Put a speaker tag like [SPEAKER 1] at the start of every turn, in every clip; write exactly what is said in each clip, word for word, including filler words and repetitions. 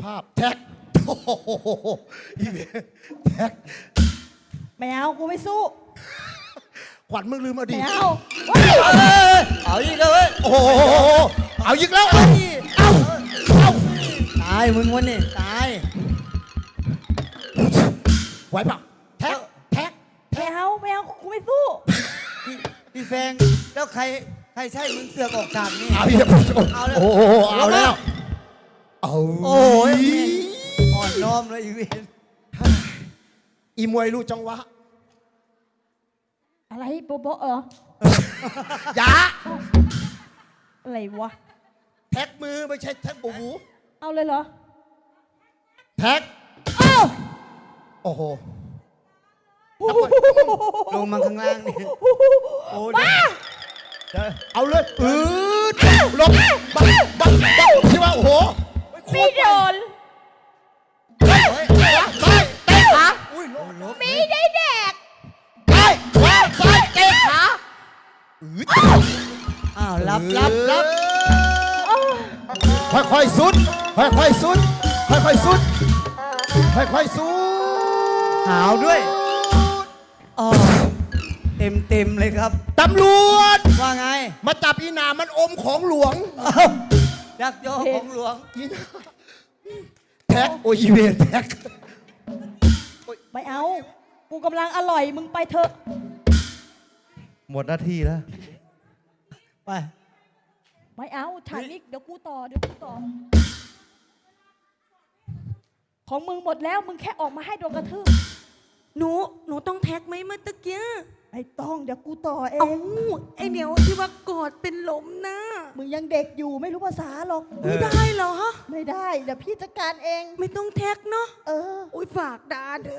[SPEAKER 1] าพแท็กโอ้โหอีเวนแท็ก
[SPEAKER 2] ไม่เอากูไม่สู้
[SPEAKER 1] ขวัญมึงลืมอดี
[SPEAKER 2] ไม่
[SPEAKER 1] ต
[SPEAKER 2] เอา
[SPEAKER 3] เอาอีกแล้วเว้ย
[SPEAKER 1] โอ้โหเอาอีกแล้วเอาเอาเอา
[SPEAKER 3] ตายมึงวันนี้ตาย
[SPEAKER 1] ไหวเปล่าแท็กแท็ก
[SPEAKER 2] ไม่เอาไม่เอากูไม่สู้
[SPEAKER 3] พี่พี่แฟงแล้วใครใครใช่มึงเสือกออกฉากนี่
[SPEAKER 1] เอาอีกแล้ว
[SPEAKER 3] เอาแล้ว
[SPEAKER 1] โอ้โหเอาแล้วเอา
[SPEAKER 3] โอ้ยอ่อนน้อมเลยอีเวน
[SPEAKER 1] อีมวยรู้จังหวะ
[SPEAKER 2] อะไรโบโบเออ
[SPEAKER 1] อย่า
[SPEAKER 2] อะไรวะ
[SPEAKER 1] แท็กมือไม่ใช่แท็กบูบู
[SPEAKER 2] เอาเลยเหรอ
[SPEAKER 1] แท็ก
[SPEAKER 2] เอ้า
[SPEAKER 1] โอ้โห
[SPEAKER 3] ลงมาข้างล่างนี่โอ้ย
[SPEAKER 1] เอาเลยอืดลงบังบังบังที่ว่าโอ้โห
[SPEAKER 2] ไม่โดน
[SPEAKER 1] ไปไปเตะขา
[SPEAKER 3] อุ้ยลบลบ
[SPEAKER 2] ไม่ได้แดก
[SPEAKER 1] ไปไปไปเตะขาอืด
[SPEAKER 3] อ้าวรับรับรับ
[SPEAKER 1] ค่อยๆสุดค่อยๆสุดค่อยๆสุดค่อยๆสุด
[SPEAKER 3] หาวด้วยอ๋อเต็มเต็มเลยครับ
[SPEAKER 1] ตำรวจ
[SPEAKER 3] ว่าไง
[SPEAKER 1] มาจับอีหนามันอมของหลวง
[SPEAKER 3] อ้าวยักยอกของหลวง
[SPEAKER 1] อีหนาแท็กโอ้ยอีเวนแท็ก
[SPEAKER 2] ไม่เอา กูกำลังอร่อยมึงไปเถอะ
[SPEAKER 4] หมดหน้าที่แล้ว
[SPEAKER 3] ไป
[SPEAKER 2] ไม่เอาฉากนี้เดี๋ยวกูต่อเดี๋ยวกูต่อ ของมึงหมดแล้วมึงแค่ออกมาให้โดนกระทืบ
[SPEAKER 5] หนู หนูต้องแท็กไหมเมื่อตะเกีย
[SPEAKER 2] ไอ้ต้องเดี๋ยวกูต่อเอ
[SPEAKER 5] เอ้าง ไอเหนียวที่ว่ากอดเป็นลมนะ
[SPEAKER 2] มึงยังเด็กอยู่ไม่รู้ภาษาหรอก
[SPEAKER 5] ไม่ได้เหรอ
[SPEAKER 2] ไม่ได้เดี๋ยวพี่จัดการเอง
[SPEAKER 5] ไม่ต้องแท็กเนาะ
[SPEAKER 2] เออ
[SPEAKER 5] อุ้ยฝากดาเด้อ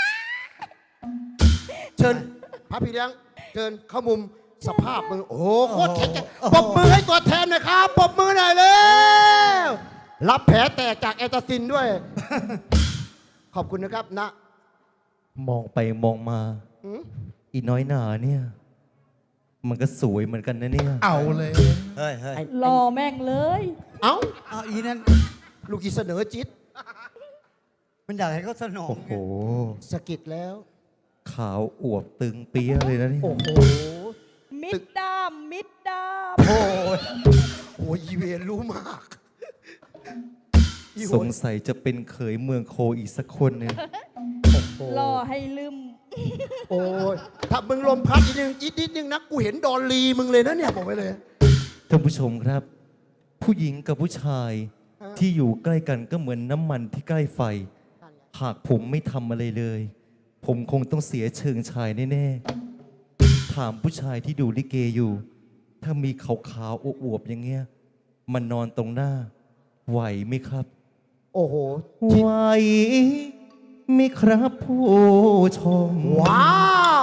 [SPEAKER 1] เชิญพระพี่เลี้ยงเชิญเข้ามุมสภาพมึงโอ้โหโคตรแข็งแกร่งปรบมือให้ตัวแทนหน่อยครับปรบมือหน่อยเร็วรับแผลแตกจากแอตาซินด้วย ขอบคุณนะครับนะ
[SPEAKER 4] มองไปมองมา
[SPEAKER 1] หืม
[SPEAKER 4] อีน้อยหนาเนี่ย มันก็สวยเหมือนกันนะเนี่ย
[SPEAKER 1] เอาเลย
[SPEAKER 3] เฮ้ยเฮ้ย
[SPEAKER 2] รอแม่งเลย
[SPEAKER 1] เอ้า
[SPEAKER 3] เอาอีนั่น
[SPEAKER 1] ลูกอีเสนอจิต
[SPEAKER 3] มันอยากให้เขาสนอง
[SPEAKER 4] โอ้โห
[SPEAKER 1] สะกิดแล้ว
[SPEAKER 4] ขาวอวบตึงเปี้ยเลยนะเนี่ย
[SPEAKER 1] โอ้โห
[SPEAKER 2] มิดดามมิดดาม
[SPEAKER 1] โอ้ยโอ้ยอีเวนรู้มากอีโห
[SPEAKER 4] สงสัยจะเป็นเขยเมืองโคอีกสักคนเนี่ย
[SPEAKER 2] รอให้ลืม
[SPEAKER 1] โอ้ยถ้ามึงลมพัดอีกนึงอีกนิดนึงนะกูเห็นดอลลีมึงเลยนะเนี่ยบอกไว้เลย
[SPEAKER 4] ท่านผู้ชมครับ ผู้หญิงกับผู้ชาย
[SPEAKER 1] ฮะ
[SPEAKER 4] ที่อยู่ใกล้กันก็เหมือนน้ำมันที่ใกล้ไฟ หากผมไม่ทำอะไรเลย ผมคงต้องเสียเชิงชายแน่ๆ ถามผู้ชายที่ดูลิเกอยู่ ถ้ามีขาวๆอวบๆอย่างเงี้ย มันนอนตรงหน้า ไหวไหมครับ
[SPEAKER 1] โอ้โห
[SPEAKER 4] ไหวไหมครับผู้ชม
[SPEAKER 1] ว้าว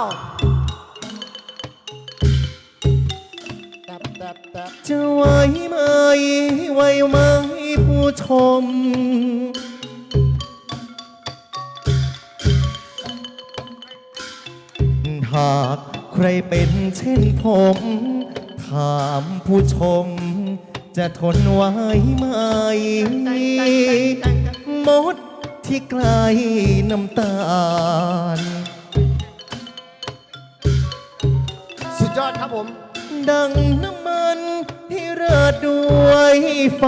[SPEAKER 1] แตบแตบแตบ
[SPEAKER 4] จะไหวไหมไหวไหมผู้ชม หากใครเป็นเช่นผม ถามผู้ชม จะทนไหวไหม มดที่ใกล้น้ำตาล
[SPEAKER 1] สุดยอดครับผม
[SPEAKER 4] ดังน้ำมันที่เริดด้วยไฟ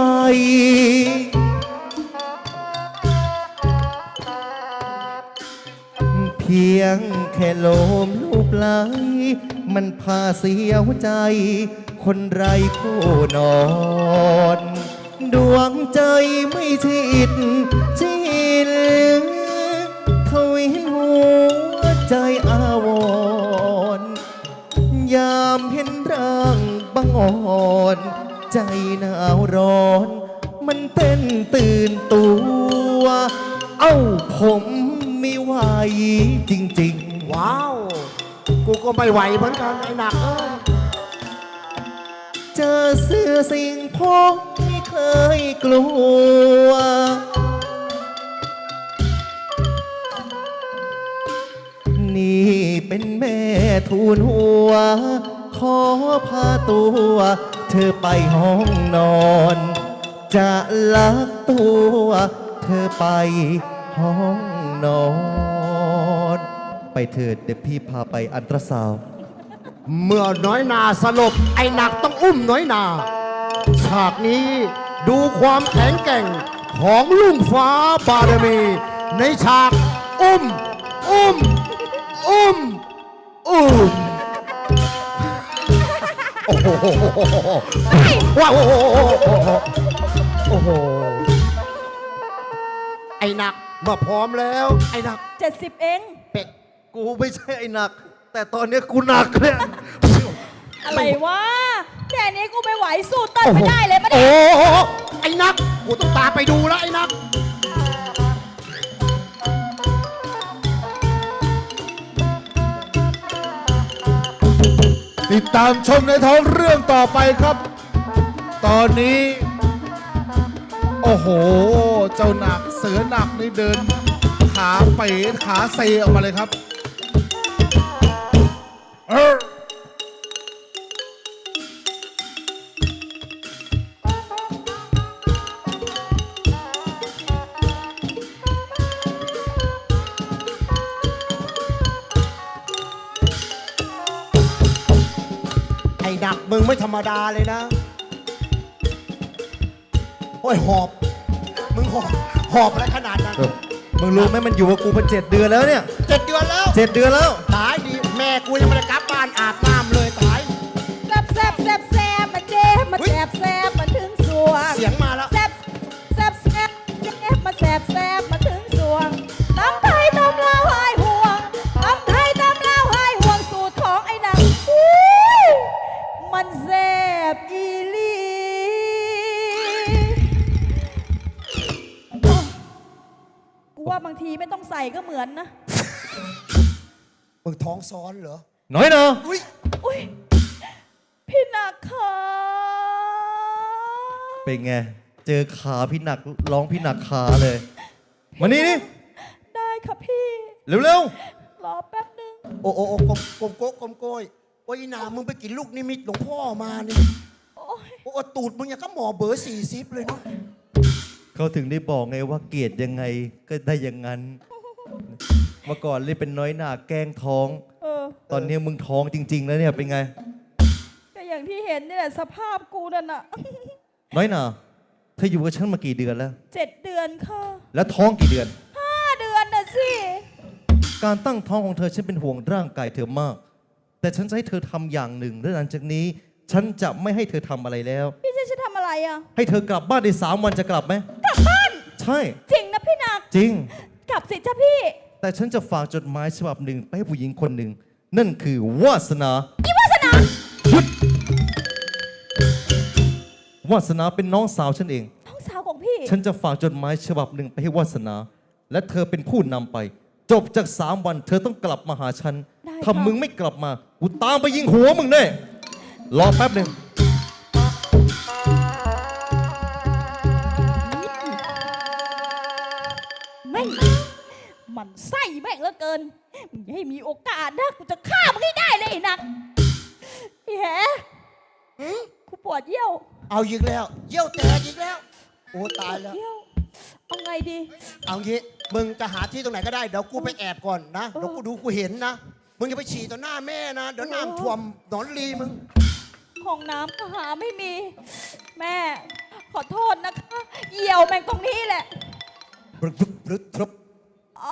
[SPEAKER 4] เพียงแค่ลมลูบไหลมันพาเสียวใจ คนไรคู่นอน ดวงใจไม่ชิดชินทวินหัวใจอาวรณ์ยามเห็นร่างบังอ่อน ใจหนาวร้อน มันเต้นตื่นตัว เอ้าผมไม่ไหวจริงๆ
[SPEAKER 1] ว้าว กูก็ไม่ไหวเหมือนกันไอ้หนักเอ้ย
[SPEAKER 4] เจอเสื้อสิ่งพกไม่เคยกลัว นี่เป็นแม่ทูลหัว ขอพาตัว เธอไปห้องนอน จะลักตัว เธเธอไปห้องนอน ไปเถิดเดี๋ยวพี่พาไปอันตราซาวด์
[SPEAKER 1] เมื่อน้อยนาสลบไอ้หนักต้องอุ้มน้อยนา ฉากนี้ดูความแข็งแกร่งของลุงฟ้าบารมี ในฉากอุ้ม อุ้ม อุ้ม อุ้ม โอ้โหว้าวโอ้โหโอ้โห ไอ้หนักเมื่อพร้อมแล้ว ไอ้หนัก
[SPEAKER 2] เจ็ดสิบเอง
[SPEAKER 1] เป็ด
[SPEAKER 4] กูไม่ใช่ไอ้หนัก แต่ตอนเนี้ยกูหนักเนี่ย
[SPEAKER 2] อะไรวะ แค่นี้กูไม่ไหวสู้เต้นไม่ได้เลยมาดิ
[SPEAKER 1] โอ้โหไอ้นัก กูต้องตามไปดูแล้วไอ้นัก
[SPEAKER 6] ติดตามชมในท้องเรื่องต่อไปครับ ตอนนี้ โอ้โห เจ้าหนักเสือหนักนี่เดิน ขาเป๋ขาเซออกมาเลยครับเออ
[SPEAKER 1] ไอ้หนักมึงไม่ธรรมดาเลยนะ โอ้ยหอบ มึงหอบ หอบอะไรขนาดนั้น
[SPEAKER 4] มึงรู้ไหมมันอยู่กับกูมาเจ็ดเดือนแล้วเนี่ย
[SPEAKER 1] เจ็ดเดือนแล้ว
[SPEAKER 4] เจ็ดเดือนแล้ว
[SPEAKER 1] ตายดี แม่กูยังไม่ได้กลับบ้านอาบน้ำเลยตาย
[SPEAKER 2] แซบแซบแซบแซบมาเจ็บมาแซบแซบมาถึงสวง
[SPEAKER 1] เสียงมาแล้ว
[SPEAKER 2] แซบแซบแซบเจ็บมาแซบแซบมาถึงสวงตำไทยตำลาวหายห่วงตำไทยตำลาวหายห่วงสูตรของไอ้หนังอุ๊ยมันแซบอีหลีโอ้กูว่าบางทีไม่ต้องใส่ก็เหมือนนะ
[SPEAKER 1] มึงท้องซ้อนเหรอ
[SPEAKER 4] น้อยเนาะ
[SPEAKER 1] อุ้ย
[SPEAKER 2] อุ้ยพี่หนักค่ะ
[SPEAKER 4] เป็นไง เจอขาพี่หนักร้องพี่หนักขาเลย มานี่นี่
[SPEAKER 2] ได้ค่ะพี่
[SPEAKER 4] เร็ว
[SPEAKER 2] รอแป๊บนึง
[SPEAKER 1] โอ้โอ้โอ้กลมกลมโก้กลมโกยโอ้ยอีหนามึงไปกินลูกนิมิตหลวงพ่อมานี่
[SPEAKER 2] โอ้ย
[SPEAKER 1] โอ้ตูดมึงอย่างก็หมอเบอร์สี่สิบเลยเนาะ
[SPEAKER 4] ๆเขาถึงได้บอกไงว่าเกลียดยังไงก็ได้อย่างนั้น เมื่อก่อนเลยเป็นน้อยหนาแกล้งท้อง
[SPEAKER 2] เออ
[SPEAKER 4] ตอนนี้มึงท้องจริง ๆ แล้วเนี่ยเป็นไง
[SPEAKER 2] ก็อย่างที่เห็นนี่แหละสภาพกูนั่นน่ะ
[SPEAKER 4] น้อยหนาเธออยู่กับฉันมากี่เดือนแล้ว
[SPEAKER 2] เจ็ดเดือนค่ะ
[SPEAKER 4] แล้วท้องกี่เดือน
[SPEAKER 2] ห้าเดือนน่ะสิ
[SPEAKER 4] การตั้งท้องของเธอฉันเป็นห่วงร่างกายเธอมาก แต่ฉันจะให้เธอทำอย่างหนึ่งและหลังจากนี้ ฉันจะไม่ให้เธอทำอะไรแล้ว
[SPEAKER 2] พี่จะจะทำอะไรอ่ะ
[SPEAKER 4] ให้เธอกลับบ้านในสามวันจะกลับไหม
[SPEAKER 2] กลับบ้าน
[SPEAKER 4] ใช่
[SPEAKER 2] จริงนะพี่หนัก
[SPEAKER 4] จริง
[SPEAKER 2] กลับสิจ้าพี่
[SPEAKER 4] แต่ฉันจะฝากจดหมายฉบับหนึ่งไปให้ผู้หญิงคนหนึ่ง นั่นคือวาสนา
[SPEAKER 2] อีวาสนา
[SPEAKER 4] หยุดวาสนาเป็นน้องสาวฉันเอง
[SPEAKER 2] น้องสาวของพี่
[SPEAKER 4] ฉันจะฝากจดหมายฉบับหนึ่งไปให้วาสนา และเธอเป็นผู้นำไป จบจากสามวัน เธอต้องกลับมาหาฉัน
[SPEAKER 2] ได้
[SPEAKER 4] ถ้า
[SPEAKER 2] ค่ะ
[SPEAKER 4] มึงไม่กลับมา กูตามไปยิงหัวมึงแน่รอแป๊บหนึ่ง
[SPEAKER 2] แม่งมันไส้แม่งเหลือเกินมึงอย่าให้มีโอกาสนะกูจะฆ่ามึงให้ได้เลยไอ้หนักพี่แหกูปวดเยี่ยว
[SPEAKER 1] เอาอีกแล้ว เยี่ยวแตกอีกแล้ว โอ้ตายแล้ว
[SPEAKER 2] เยี่ยวเอาไงดี
[SPEAKER 1] เอางี้มึงจะหาที่ตรงไหนก็ได้ เดี๋ยวกูไปแอบก่อนนะ เดี๋ยวกูดูกูเห็นนะ มึงอย่าไปฉี่ต่อหน้าแม่นะ เดี๋ยวน้ำท่วมหนอนรีมึง
[SPEAKER 2] ห้องน้ำก็หาไม่มี แม่ ขอโทษนะคะเหี่ยวแม่งตรงนี้แหละ
[SPEAKER 1] บรึบรึบรึบรึบ
[SPEAKER 2] อ๋อ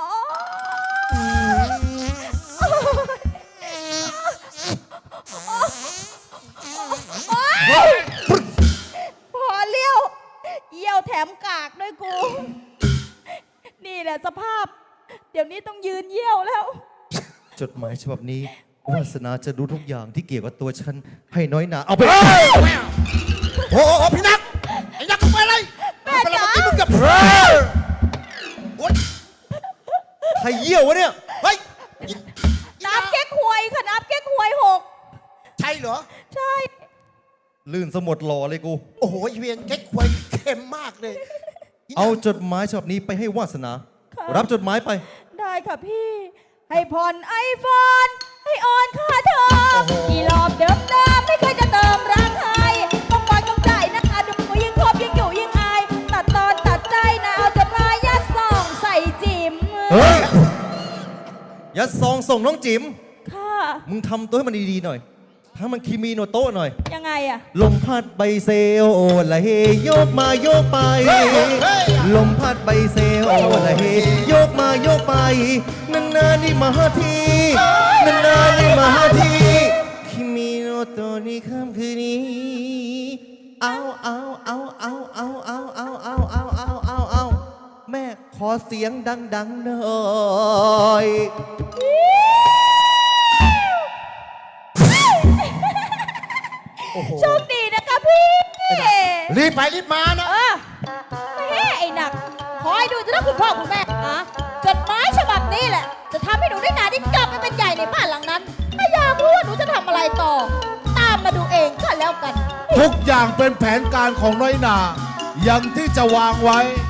[SPEAKER 2] พอเลี้ยวเยี่ยวแถมกากด้วยกู นี่แหละสภาพ เดี๋ยวนี้ต้องยืนเยี่ยวแล้ว
[SPEAKER 4] จดหมายฉบับนี้ วาสนาจะรู้ทุกอย่างที่เกี่ยวกับตัวฉัน ให้น้อยหนาเอาไป
[SPEAKER 1] โอ้โหพี่นัก ไอ้นักมึงไปอะไร
[SPEAKER 2] แม่
[SPEAKER 1] ไปแล้ว
[SPEAKER 2] จ๋า
[SPEAKER 1] เมื่อกี้มึงเกับโอ๊ย
[SPEAKER 4] ใครเยี่ยววะเนี่ย
[SPEAKER 1] เฮ้ย
[SPEAKER 2] น้ำแก๊กหวยค่ะน้ำแก๊กหวยหก
[SPEAKER 1] ใช่เหรอ
[SPEAKER 2] ใช่
[SPEAKER 4] ลื่นสมดหล่อเลยกู
[SPEAKER 1] โอ้โหอีเวียนเก๊กควยเค็มมากเลย
[SPEAKER 4] เอาจดหมายฉบับนี้ไปให้วาสนา
[SPEAKER 2] ค่ะ
[SPEAKER 4] รับจดหมายไป
[SPEAKER 2] ได้ค่ะพี่ ให้ผ่อนไอโฟนให้ออนค่าเทอมกี่รอบเดิมเดิมไม่เคยจะเติมรักใครต้องปล่อยต้องจ่ายนะคะดูยิ่งคบยิ่งอยู่ยิ่งอาย ตัดตอนตัดใจนะเอาจดหมายยา
[SPEAKER 4] ฮ้ย อย่าซองส่งน้องจิ๋ม
[SPEAKER 2] ค่ะ
[SPEAKER 4] มึงทำตัวให้มันดีๆหน่อย ถ้ามันคีมีโนโต้หน่อย
[SPEAKER 2] ยังไงอะ
[SPEAKER 4] ลมพัดใบเซลละเฮโยกมาโยกไป ลมพัดใบเซลละเฮโยกมาโยกไปนานๆนี่มาทีนานๆนี่มาทีคิมิโนโตะนี่ค่ำคืนนี้เอาเอาเอาเอาเอาเอาเอาเอาเอาเอาเอาเอาแม่ขอเสียงดังๆหน่อย
[SPEAKER 2] โชคดีนะคะพี่
[SPEAKER 1] รีบไปรีบมานะ
[SPEAKER 2] เออแม่ไอ้หนัก ขอให้ดูจะได้คุณพ่อคุณแม่นะจดหมายฉบับนี้แหละ จะทำให้หนูได้นาได้กลับไปเป็นใหญ่ในบ้านหลังนั้น ถ้าอยากรู้ว่าหนูจะทำอะไรต่อ ตามมาดูเองก็แล้วกัน
[SPEAKER 6] ทุกอย่างเป็นแผนการของน้อยหนาอย่างที่จะวางไว้